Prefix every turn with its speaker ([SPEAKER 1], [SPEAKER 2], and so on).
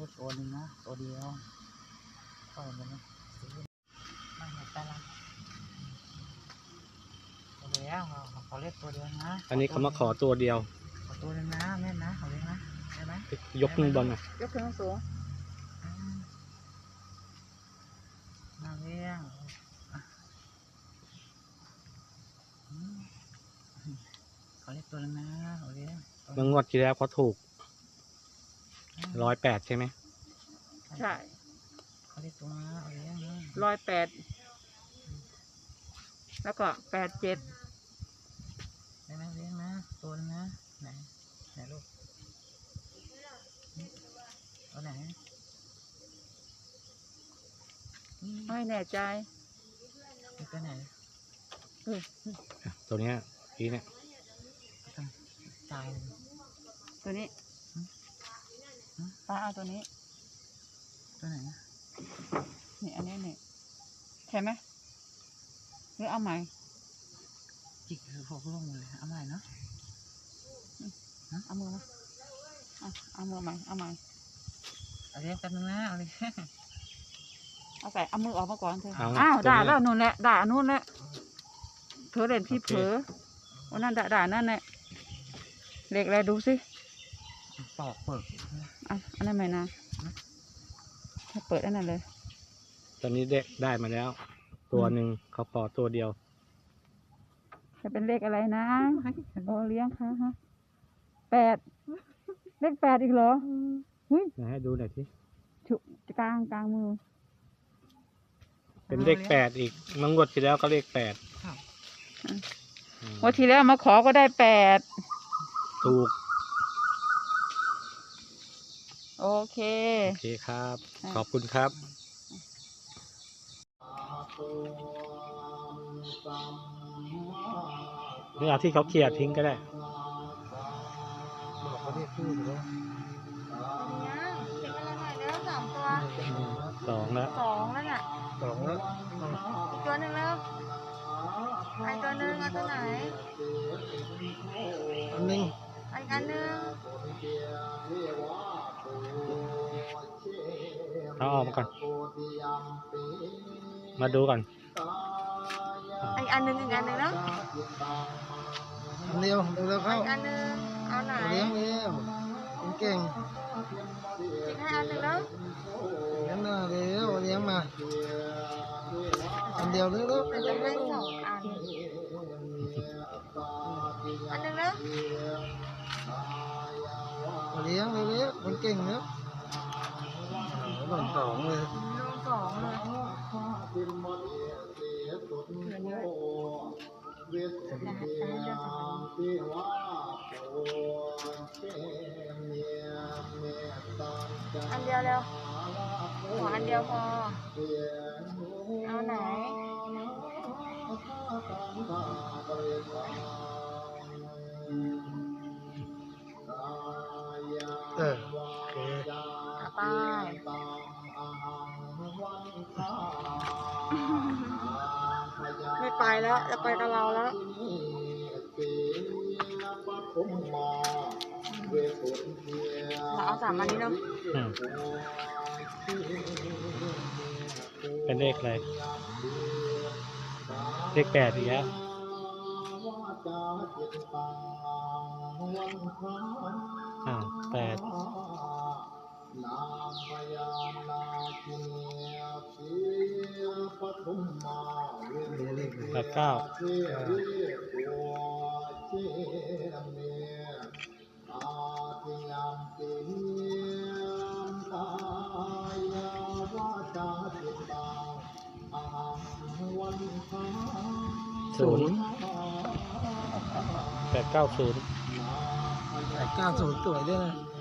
[SPEAKER 1] ตัวนึงนะตัวเดียวก็มันนะมันหมดไปละตัวเดียวเขาเรียกตัวเดียวนะ
[SPEAKER 2] อันนี้เขามาขอตัวเดียว
[SPEAKER 1] ขอตัวนึงนะแม่นะเขาเรียกนะได้ไหม
[SPEAKER 2] ยกขึ้นบนอ่ะ
[SPEAKER 3] ยกขึ้นสูง
[SPEAKER 1] มาเรียงเขาเรียกตัวนึงนะเขาเรียก
[SPEAKER 2] เมื่องวดที่แล้วเขาถูก108ใช่ไหม
[SPEAKER 3] ใช่
[SPEAKER 1] เขาเรียกตัวนะเขาเรียกนะ
[SPEAKER 3] 108แล้วก็87
[SPEAKER 1] ได้ไหมเรียกนะตัวนึงนะไหนลูกตัวไหน
[SPEAKER 3] ไม่แน่ใจ
[SPEAKER 1] ตัวไหน
[SPEAKER 2] ตัวเนี้ยพี่เนี่ย
[SPEAKER 1] ตาย
[SPEAKER 3] ตัวนี้ป้าเอาตัวนี้
[SPEAKER 1] ตัวไหน
[SPEAKER 3] นี่อันนี้นี่ใช่ไหมหรือเอาใหม่
[SPEAKER 1] จิกคือพวกลงเลยเอาใหม่เนาะ
[SPEAKER 3] เอามือมาเอามือใหม่เอาใหม่
[SPEAKER 1] เอาเรียกกันนึงนะเอาเลย
[SPEAKER 3] เอาใส่เอามือออกมาก่อนเธออ้าวด่าแล้วนู่นแหละด่านู่นแหละเธอเล่นที่เผลอวันนั้นด่านั่นแหละเล็กอะไรดูสิ
[SPEAKER 1] ปอกเปิด
[SPEAKER 3] อันนั้นไหมนะถ้าเปิดอันนั้นเลย
[SPEAKER 2] ตอนนี้เด็กได้มาแล้วตัวหนึ่งเขาขอตัวเดียว
[SPEAKER 3] จะเป็นเลขอะไรนะโอเลี้ยงค่ะฮะ8เลข8อีกเหรอ
[SPEAKER 2] ให้ดูหน่อยที่
[SPEAKER 3] ฉุกลางมือ
[SPEAKER 2] เป็นเลข8อีกมังงวดที่แล้วก็เลข8
[SPEAKER 3] วันที่แล้วมาขอก็ได้8
[SPEAKER 2] ถูก
[SPEAKER 3] โอเค
[SPEAKER 2] ครับขอบคุณครับนี่เอาที่เขาเคลียร์ทิ้งก็ได้
[SPEAKER 1] บอกเขาเรียกชื่อหรือว่า
[SPEAKER 3] ทิ้งอะไรหน่อยแล้ว2 ตัว
[SPEAKER 2] 2แล้ว
[SPEAKER 3] 2แล้วน่ะ
[SPEAKER 1] 2แล้ว
[SPEAKER 3] อีกตัวหนึ่งแล้วไอตัวหนึ่งเอาตัวไหน
[SPEAKER 1] อันนึง
[SPEAKER 3] อีกอันนึง
[SPEAKER 2] เอาออกมาก่อนมาดูก่อน
[SPEAKER 3] อีกอันนึงแล้ว
[SPEAKER 1] เร็วเข้า
[SPEAKER 3] อีกอันนึงเอาไหน
[SPEAKER 1] เลี้ยงเก่ง
[SPEAKER 3] อีกให้อันนึงแล้ว
[SPEAKER 1] งั้นน่ะเร็วเลี้ยงมาอันเดียวเร็ว
[SPEAKER 3] จะให้2 อันนึงแล้ว
[SPEAKER 1] เลี้ยงเร็วมันเก่งเนอะโดน2เลย
[SPEAKER 3] อันเดียวเร็วขออันเดียวพอเอาไหน
[SPEAKER 1] โอเค
[SPEAKER 3] ไปไม่ไปแล้วจะไปกับเราแล้วเราเอา3 อันนี้เนาะ
[SPEAKER 2] เป็นเลขอะไรเลข8อีกแล้ว8 890
[SPEAKER 1] 890สวยด้วยนะ